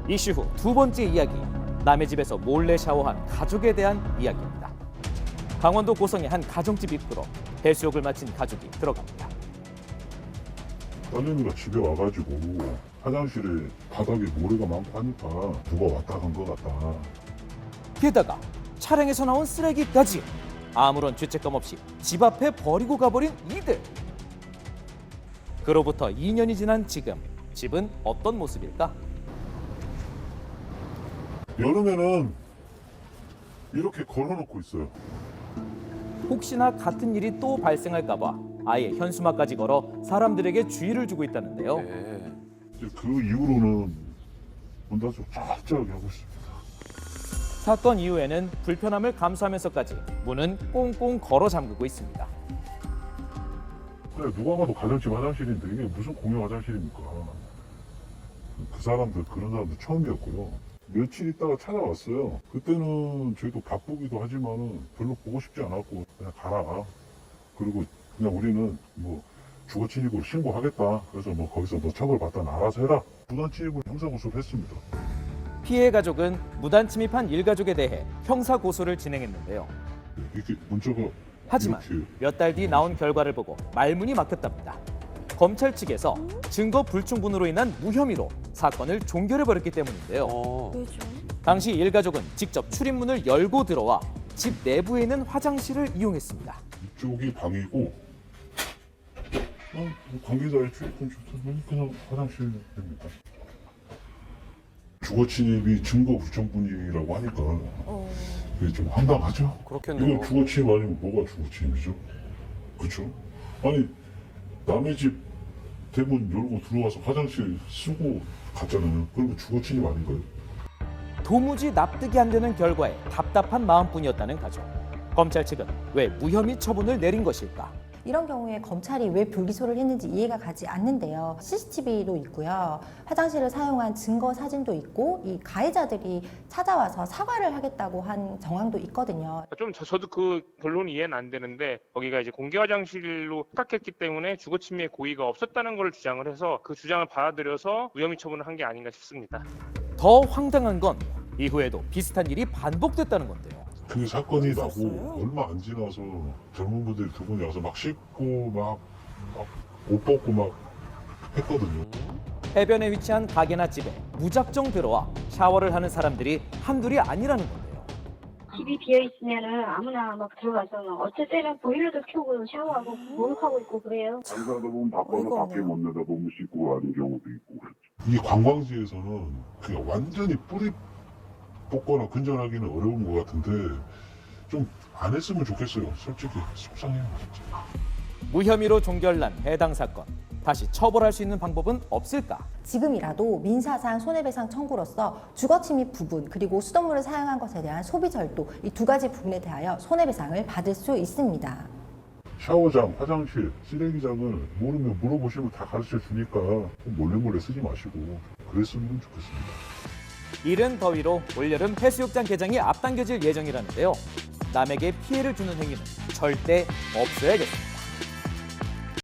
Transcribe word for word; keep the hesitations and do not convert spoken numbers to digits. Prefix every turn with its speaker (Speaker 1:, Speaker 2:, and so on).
Speaker 1: 이슈 후 두 번째 이야기, 남의 집에서 몰래 샤워한 가족에 대한 이야기입니다. 강원도 고성의 한 가정집 입구로 해수욕을 마친 가족이 들어갑니다.
Speaker 2: 딸내미가 집에 와가지고 화장실에 바닥에 모래가 많고 하니까 누가 왔다 간 것 같다.
Speaker 1: 게다가 차량에서 나온 쓰레기까지 아무런 죄책감 없이 집 앞에 버리고 가버린 이들. 그로부터 이 년이 지난 지금 집은 어떤 모습일까?
Speaker 2: 여름에는 이렇게 걸어놓고 있어요.
Speaker 1: 혹시나 같은 일이 또 발생할까 봐 아예 현수막까지 걸어 사람들에게 주의를 주고 있다는데요.
Speaker 3: 네.
Speaker 2: 이제 그 이후로는 문 닫고 쫙쫙 하고 있습니다.
Speaker 1: 사건 이후에는 불편함을 감수하면서까지 문은 꽁꽁 걸어 잠그고 있습니다.
Speaker 2: 그래, 누가 봐도 가정집 화장실인데 이게 무슨 공용 화장실입니까? 그 사람들, 그런 사람들 처음이었고요. 며칠 있다가 찾아왔어요. 그때는 저희도 바쁘기도 하지만은 별로 보고 싶지 않았고 그냥 가라. 그리고 그냥 우리는 뭐 주거 침입으로 신고하겠다. 그래서 뭐 거기서 뭐 처벌받다 알아서 해라. 무단 침입을 형사 고소를 했습니다.
Speaker 1: 피해 가족은 무단 침입한 일가족에 대해 형사 고소를 진행했는데요.
Speaker 2: 이렇게 문자가
Speaker 1: 하지만
Speaker 2: 이렇게
Speaker 1: 몇 달 뒤 나온 결과를 보고 말문이 막혔답니다. 검찰 측에서 증거 불충분으로 인한 무혐의로 사건을 종결해버렸기 때문인데요.
Speaker 3: 어.
Speaker 4: 왜죠?
Speaker 1: 당시 일가족은 직접 출입문을 열고 들어와 집 내부에 있는 화장실을 이용했습니다.
Speaker 2: 이쪽이 방이고 어, 관계자의 출입금 좋다면 그냥 화장실입니다. 주거 침입이 증거 불충분이라고 하니까
Speaker 4: 어.
Speaker 2: 그게 좀 황당하죠?
Speaker 3: 그렇겠네요.
Speaker 2: 이건 주거 침입 아니면 뭐가 주거 침입이죠? 그렇죠? 아니 남의 집 대문 열고 들어와서 화장실 쓰고 갔잖아요. 그러면 주거 침입 아닌가요?
Speaker 1: 도무지 납득이 안 되는 결과에 답답한 마음뿐이었다는 가족. 검찰 측은 왜 무혐의 처분을 내린 것일까?
Speaker 4: 이런 경우에 검찰이 왜 불기소를 했는지 이해가 가지 않는데요. 씨씨티비도 있고요. 화장실을 사용한 증거 사진도 있고 이 가해자들이 찾아와서 사과를 하겠다고 한 정황도 있거든요.
Speaker 5: 좀 저, 저도 그 결론이 이해는 안 되는데 거기가 이제 공개 화장실로 착각했기 때문에 주거 침해 고의가 없었다는 걸 주장을 해서 그 주장을 받아들여서 무혐의 처분을 한 게 아닌가 싶습니다.
Speaker 1: 더 황당한 건 이후에도 비슷한 일이 반복됐다는 건데요.
Speaker 2: 그 사건이
Speaker 4: 있었어요?
Speaker 2: 나고 얼마 안 지나서 젊은 분들이 두 분이 와서 막 씻고 막 옷 벗고 막 했거든요.
Speaker 1: 해변에 위치한 가게나 집에 무작정 들어와 샤워를 하는 사람들이 한둘이 아니라는 건데요.
Speaker 6: 집이 비어 있으면은 아무나 막 들어가서 어쩔 때는 보일러도 켜고 샤워하고 목욕하고 있고 그래요.
Speaker 2: 장사하다 보면 바빠서
Speaker 4: 어이가
Speaker 2: 밖에
Speaker 4: 없네요.
Speaker 2: 못 내다 너무 씻고 하는 경우도 있고 그렇죠. 이 관광지에서는 그냥 완전히 뿌리 뽑거나 근절하기는 어려운 것 같은데 좀 안 했으면 좋겠어요. 솔직히 속상해요 진짜.
Speaker 1: 무혐의로 종결난 해당 사건. 다시 처벌할 수 있는 방법은 없을까?
Speaker 4: 지금이라도 민사상 손해배상 청구로서 주거침입 부분 그리고 수돗물을 사용한 것에 대한 소비 절도 이 두 가지 부분에 대하여 손해배상을 받을 수 있습니다.
Speaker 2: 샤워장, 화장실, 쓰레기장을 모르면 물어보시면 다 가르쳐 주니까 몰래 몰래 쓰지 마시고 그랬으면 좋겠습니다.
Speaker 1: 이른 더위로 올여름 해수욕장 개장이 앞당겨질 예정이라는데요. 남에게 피해를 주는 행위는 절대 없어야겠습니다.